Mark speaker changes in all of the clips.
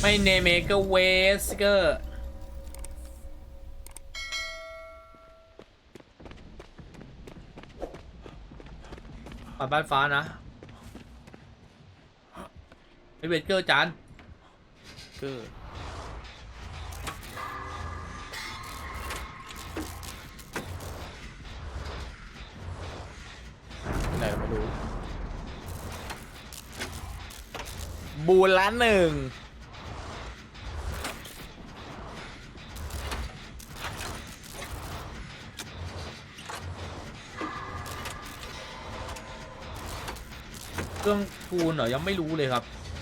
Speaker 1: ไม่เนเมก็เวสเกอร์ปัดบ้านฟ้านะไอเวสเกอร์จาน
Speaker 2: เกอร์ไหนเราไม่รู้บูนละหนึ่ง
Speaker 1: เครื่องปูนเหรอยังไม่รู้เลยครับ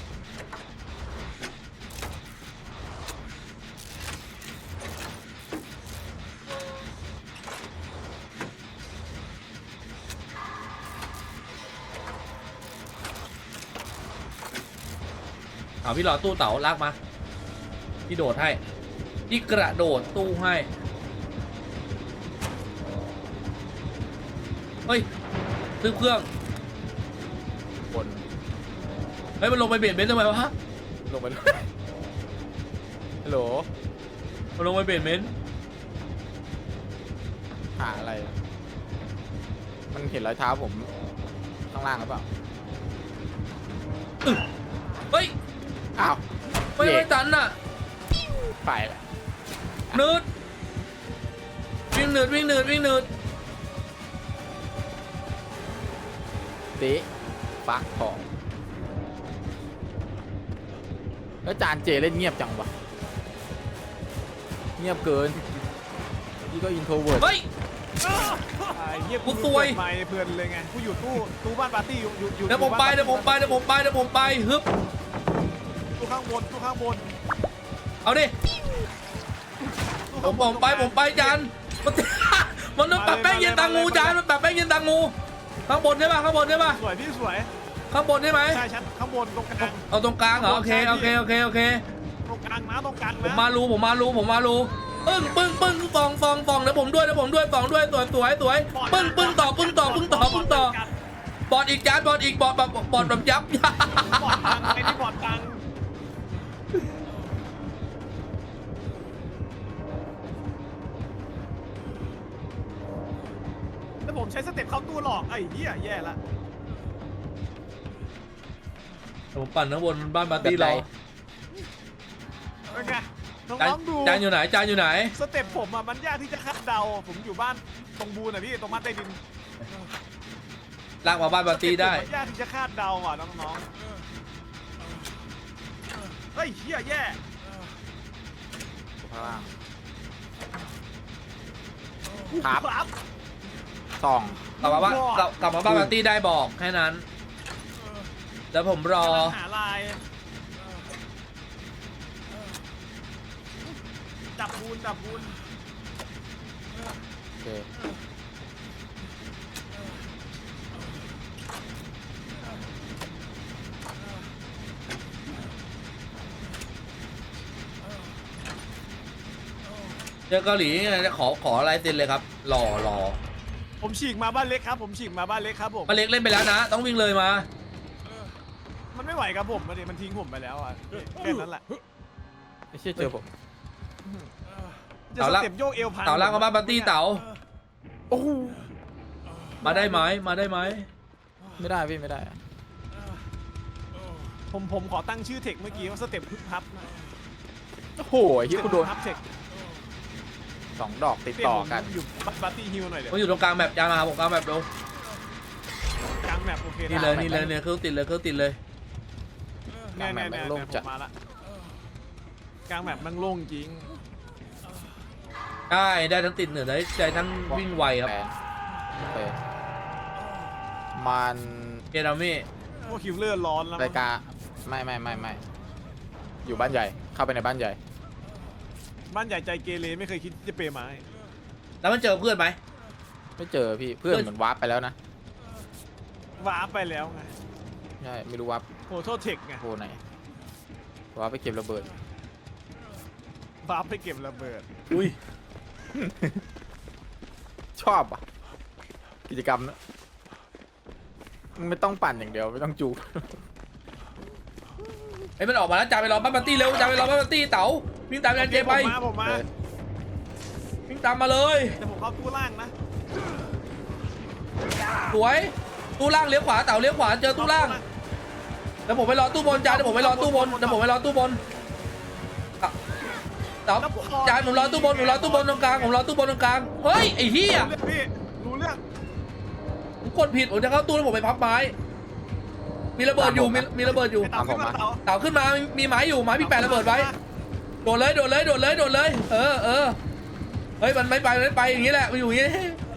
Speaker 1: เอาพี่หลอดตู้เต๋าลากมาพี่โดดให้พี่กระโดดตู้ให้เฮ้ยซื้อเครื่อง
Speaker 2: บน
Speaker 1: เฮ้ยมันลงไปเบียดเบนซ์ทำไมวะ
Speaker 2: ลงไปเลยฮัลโหล
Speaker 1: มันลงไปเบียดเบนซ์
Speaker 2: หาอะไร มันเห็นรอยเท้าผมข้างล่างหรือเปล่า
Speaker 1: เฮ้ย
Speaker 2: อ้าว
Speaker 1: ไม่ตันน่ะ
Speaker 2: ไปละ
Speaker 1: เนิร์ดวิ่งเนิร์ดวิ่งเนิร์ดวิ่งเนิร์ด
Speaker 2: ติปักของแล้วจานเจเล่นเงียบจังวะเงียบเกินนี่ก็อินโทรเวิร์ด
Speaker 1: เฮ้ย
Speaker 3: เงียบ
Speaker 1: กูซวย
Speaker 3: ไม่เพลินเลยไงกูอยู่ตู้บ้านปาร์ตี้อยู่
Speaker 1: เดี๋ยวผมไปเดี๋ยวผมไปเดี๋ยวผมไปเดี๋ยวผมไปฮึบ
Speaker 3: ตู้ข้างบนตู้ข้างบน
Speaker 1: เอาดิ
Speaker 3: ตู้
Speaker 1: ผ
Speaker 3: ข้าง
Speaker 1: ม
Speaker 3: บน
Speaker 1: ไปผมไปจานมันมันปรับแป้งเย็นตังงูจานมันปรับแป้งเย็นตังงูข้างบนใช่ป่ะข้างบนใช่ป่ะ
Speaker 3: สวยพี่สวย
Speaker 1: ข้างบนใช่ไหม
Speaker 3: ใช่ชั้นข้างบนตรงกลาง
Speaker 1: เอาตรงกลางเหรอโอเคโอเคโอเคโอเค
Speaker 3: ตรงกลางนะตรงกลาง
Speaker 1: ผม
Speaker 3: นะ
Speaker 1: มารูผมมารูผมมารูปึ้งปึ้งปึ้งฟองฟองฟองเดี๋ยวผมด้วยเดี๋ยวผมด้วยฟองด้วยสวยสวยสวยปึ้งปึ้งต่อปึ้งต่อปึ้งต่อปึ้งต่อบอดอีกจานบอดอีกบอดแบบยับ
Speaker 3: บอดตังไอ้นี่บอดตังแล้วผมใช้สเต็ปเข้าตู้หลอกไอ้เหี้ยแย่ละ
Speaker 1: ผมปั่นข้างบนบ้านปาร์ตี้เรา
Speaker 3: เป็นไงน้
Speaker 1: จาน
Speaker 3: องๆดู
Speaker 1: จานอยู่ไหนจานอยู่ไหน
Speaker 3: สเต็ปผมอ่ะมันยากที่จะคาดเดาผมอยู่บ้านตรงบูนอ่ะพี่ตรงบ้านใต้ดิน
Speaker 1: ลากมาบ้านปาร์ตี้ได้
Speaker 3: มันยากที่จะคาดเดาอ่ะน้องๆเฮ้ยเฮียแย่
Speaker 2: ข้างล่างครับ
Speaker 3: ครับ
Speaker 2: สอง
Speaker 1: กลับมาบ้านกลับมาบ้านปาร์ตี้ได้บอกแค่นั้นแล้วผมรอ
Speaker 3: กำลังหาลายจับบูน
Speaker 2: โอเค
Speaker 1: เจอเกาหลีขอลายเซ็นเลยครับรอ
Speaker 3: ผมฉีกมาบ้านเล็กครับผมฉีกมาบ้านเล็กครับผม
Speaker 1: มาเล็กเล่นไปแล้วนะ ต้องวิ่งเลยมา
Speaker 3: มันไม่ไหวกับผมมันทิ้งผมไปแล้วอ่ะแค่นั้นแหละ
Speaker 2: ไม่เชื่อเจอผม
Speaker 3: จะสเต็ปโยกเอวพัน
Speaker 1: เต่าลากมาบ้านปาร์ตี้เต่า
Speaker 2: โอ้โห
Speaker 1: มาได้ไหมมาได้ไหม
Speaker 2: ไม่ได้พี่ไม่ได้อะ
Speaker 3: ผมขอตั้งชื่อเทคเมื่อกี้ว่าสเต็ปฮึบฮับนะ
Speaker 2: โอ้โหที่กูโดน
Speaker 3: ฮับเทค
Speaker 2: สองดอกติดต่อกัน
Speaker 3: อยู่ปาร์ตี้ฮิลหน่อยเดี๋ยว
Speaker 1: ผมอยู่ตรงกลางแบบจานมาผมกลางแบบดู
Speaker 3: กลางแมปโอเค
Speaker 1: นี่
Speaker 3: ได้
Speaker 1: เลยนี่เลยเนี่ยเครื่องติดเลยเครื่องติดเลย
Speaker 3: เนี่ยผมมาละกลางแมปมันโล่งจริง
Speaker 1: ได้ทั้งติดเหนือได้ทั้งวิ่งไวครับ
Speaker 2: แปดโอเคมัน
Speaker 1: เกรามี่
Speaker 3: พวกคิวเลอร์ร้อนแล้ว
Speaker 2: รายการไม่อยู่บ้านใหญ่เข้าไปในบ้านใหญ่
Speaker 3: บ้านใหญ่ใจเกเรไม่เคยคิดจะเปย์ไม้
Speaker 1: แล้วมันเจอเพื่อนไหม
Speaker 2: ไม่เจอพี่เพื่อนเหมือนวาร์ปไปแล้วนะ
Speaker 3: ว้าไปแล้วไง
Speaker 2: ใช่ไม่รู้วาร์ป
Speaker 3: โหโทษเทคไง
Speaker 2: โผล่ไหนวาร์ปไปเก็บระเบิด
Speaker 3: ว้าไปเก็บระเบิด
Speaker 1: อุ้ย
Speaker 2: ชอบอ่ะกิจกรรมนะไม่ต้องปั่นอย่างเดียวไม่ต้องจูบ
Speaker 1: ไอ้มันออกมาแล้วจ่าไปรอบ้านปาร์ตี้เร็วจ่าไปรอบ้านปาร์ตี้เต๋าวิ่งตามอาจารย์เจไป
Speaker 3: ผมมา
Speaker 1: วิ่งตามมาเลย
Speaker 3: แต่ผมเข้าตู้ล่างนะ
Speaker 1: สวยตู้ล่างเลี้ยวขวาเต๋าเลี้ยวขวาเจอตู้ล่างเดี๋ยวผมไปรอตู้บนจ่าเดี๋ยวผมไปรอตู้บนเดี๋ยวผมไปรอตู้บนเต๋าจ่าผมรอตู้บนผมรอตู้บนตรงกลางผมรอตู้บนตรงกลางเฮ้ยไอ้เหี้ย
Speaker 3: พี่รู้เรื่อง
Speaker 1: ผมกดผิดผมจะเข้าตู้แล้วผมไปพับไม้มีระเบิดอยู่มีระเบิดอยู่
Speaker 3: เต่าขึ้นมา
Speaker 1: เต๋าขึ้นมามีไม้อยู่ไม้พี่แปะระเบิดไว้โดดเลยโดดเลยโดดเลยโดดเลยเออเฮ้ยมันไม่ไปอย่างนี้แหละมันอยู่อย่างนี้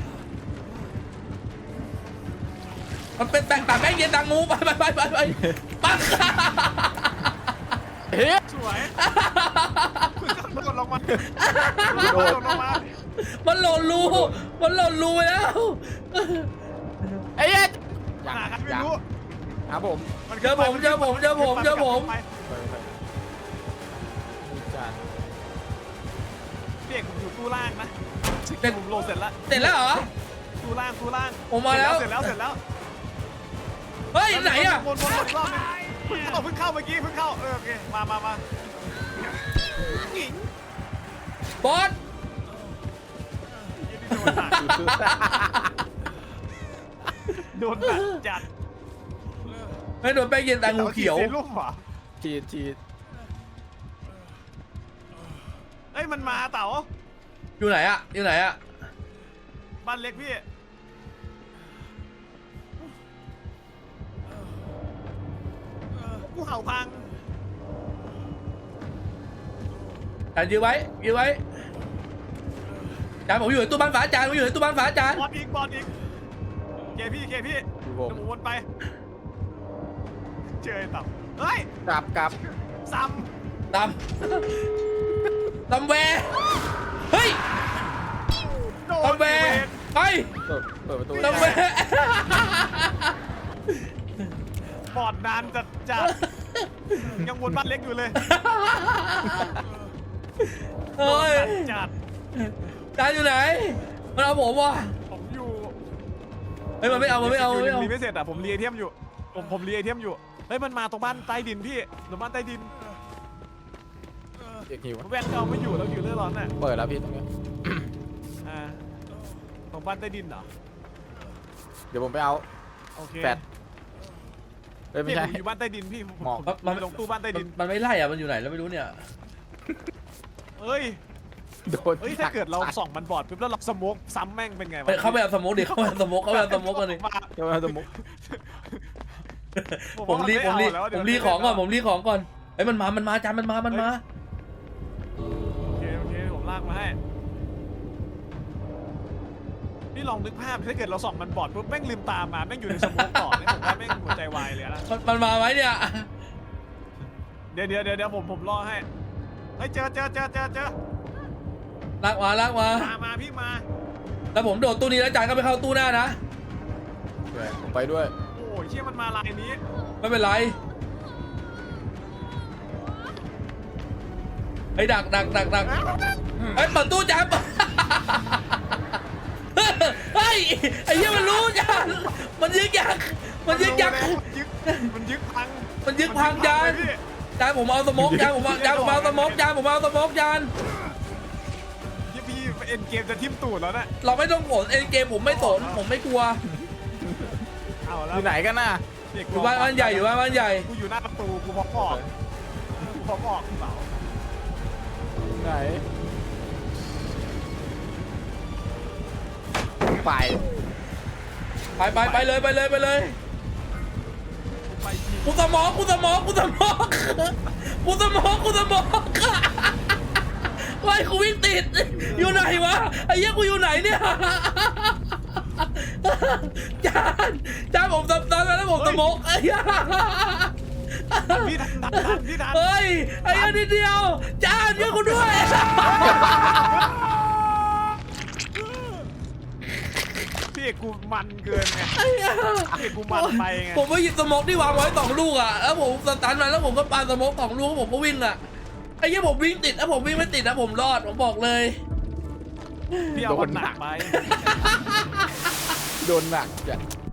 Speaker 1: มันเป็นแบ่งแบ่งเย็นดังงูไปปัง
Speaker 2: เฮ้ย
Speaker 3: สวยโดดลงมาโดดลงมา
Speaker 1: มันหล่นรูไปแล้ว
Speaker 2: ไอ้เหี้ย
Speaker 3: หากันไม่รู้
Speaker 2: ครับผม
Speaker 1: เจอผม
Speaker 3: พี่เอกผมอยู่ตู้ล่างนะผมโหลดเสร็จแล้ว
Speaker 1: เสร็จแล้วเหรอ
Speaker 3: ตู้ล่าง
Speaker 1: ผมมาแล้ว
Speaker 3: เสร็จแล้ว
Speaker 1: เฮ้ยไหนอะ
Speaker 3: วนอีกรอบนึงเพิ่งเข้าเมื่อกี้เพิ่งเข้าโอเคมาหญิง
Speaker 1: บอส
Speaker 3: โดนแบบจัด
Speaker 1: ไม่โดนแป้งเย็นดังงูเขียว
Speaker 3: เซรุ่มเหรอ
Speaker 2: ฉีด
Speaker 3: เอ้ยมันมาเต๋า
Speaker 1: อยู่ไหนอะ
Speaker 3: บ้านเล็กพี่กูเห่าพัง
Speaker 1: จานยื้อไว้จานผมอยู่ในตู้บ้านฝาจานผมอยู่ในตู้บ้านฝาจาน
Speaker 3: บอลอีกเคพี่เดี๋ยวผมวนไปเจอไอ้เต่าเฮ้ย
Speaker 2: กลับ
Speaker 3: ซ้
Speaker 1: ตำแวเฮ้ย
Speaker 3: ำโดน
Speaker 1: ตำแวไป
Speaker 2: เปิดประตู
Speaker 1: ตำแว
Speaker 3: บอดนานจัดยังวนบ้านเล็กอยู่เลย
Speaker 1: เฮ้ย
Speaker 3: จัด
Speaker 1: จานอยู่ไหนมันเอาผมว่ะ
Speaker 3: ผมอยู่
Speaker 1: เฮ้ยมันไม่เอา
Speaker 3: รีไม่เสร็จอ่ะผมรีไอเทมอยู่ผมรีไอเทมอยู่เฮ้ยมันมาตรงบ้านใต้ดินพี่ตรงบ้านใต้ดิน
Speaker 2: เด็กหิว
Speaker 3: แวนเอาไม่อยู่แล้วอยู่เรื่องร้อนน่ะ
Speaker 2: เปิดแล้วพี่ตรงนี้
Speaker 3: ตรงบ้านใต้ดินเหรอ
Speaker 2: เดี๋ยวผมไปเอา
Speaker 3: โอเค
Speaker 2: แฟดเฮ้ยไม่
Speaker 3: พี่
Speaker 2: ใช่
Speaker 3: ผมอยู่บ้านใต้ดินพี่ผม
Speaker 2: หมอก
Speaker 3: ผมลงตู้บ้านใต้ดิน
Speaker 1: มันไม่ไล่อะมันอยู่ไหนแล้วไม่รู้เนี่ย
Speaker 3: เอ้ย
Speaker 2: โดน
Speaker 3: เฮ้ยถ้าเกิดเราส่องมันบอดปุ๊บแล้วเราสโมกซ้ำแม่งเป็นไงวะ
Speaker 1: เข้าไปเอาสโมกดิเข้าไปเอาสโมกกันดิ
Speaker 2: เดี๋ยวมาสมุก
Speaker 1: ผมรีของก่อนเฮ้ยมันมาจานมันมา
Speaker 3: โอเคผมลากมาให้พี่ลองนึกภาพถ้าเกิดเราส่องมันบอดปุ๊บแม่งลืมตามาแม่งอยู่ในสโมกต่อเนี่ยผมว่าแม่งหัวใจวายเลยนะ
Speaker 1: มันมาไหมเนี่ย
Speaker 3: เดี๋ยวผมล่อให้เฮ้ยเจอ
Speaker 1: ลากมา
Speaker 3: พี่มา
Speaker 1: แล้วผมโดดตู้นี้แล้วจานก็ไปเข้าตู้หน้านะ
Speaker 2: ผมไปด้วย
Speaker 3: โอ้ยเชี่ยมันมาลายนี้
Speaker 1: ไม่เป็นไรไอ้ดักไอ้เปิดตู้จานเฮ้ยไอ้เหี้ยมันรู้จานมันยึกยักมันยึกพังจานผมเอาสโมกจานผมเอาสโมกจาน
Speaker 3: พี่เอ็นเกมจะทิ่มตูดแล้วนะ
Speaker 1: เราไม่ต้องสนเอ็นเกมผมไม่สนผมไม่กลัว
Speaker 3: เอา
Speaker 2: อ
Speaker 3: แล้ว
Speaker 2: ยู่ไหนกันน่ะ
Speaker 1: อยู่บ้านใหญ่
Speaker 3: กูอยู่หน้าประตูกูพร้อมออกเปล่า
Speaker 2: ไหนไป
Speaker 1: ไปเลย
Speaker 3: ไปยิง
Speaker 1: กูสมองไอ้กูวิ่งติดอยู่ไหนวะไอ้เหี้ยกูอยู่ไหนเนี่ยจานผมตอนนั้นผมสมองไอ้เหี้ย
Speaker 3: พี่ทัน
Speaker 1: เฮ้ยไอ้เหี้ยนิดเดียวจานเยอะกูด้วย
Speaker 3: พี่เอกกูมันเกินไงพี่เอกกูมันไปไง
Speaker 1: ผมไปหยิบสโมกที่วางไว้2 ลูกอ่ะแล้วผมสตันมาแล้วผมก็ปาสโมก2 ลูกผมก็วิ่งอ่ะไอ้เหี้ยผมวิ่งติดแล้วผมวิ่งไม่ติดนะผมรอดผมบอกเลย
Speaker 3: พี่เอามันหนักไป
Speaker 2: โดนหนักจ้ะ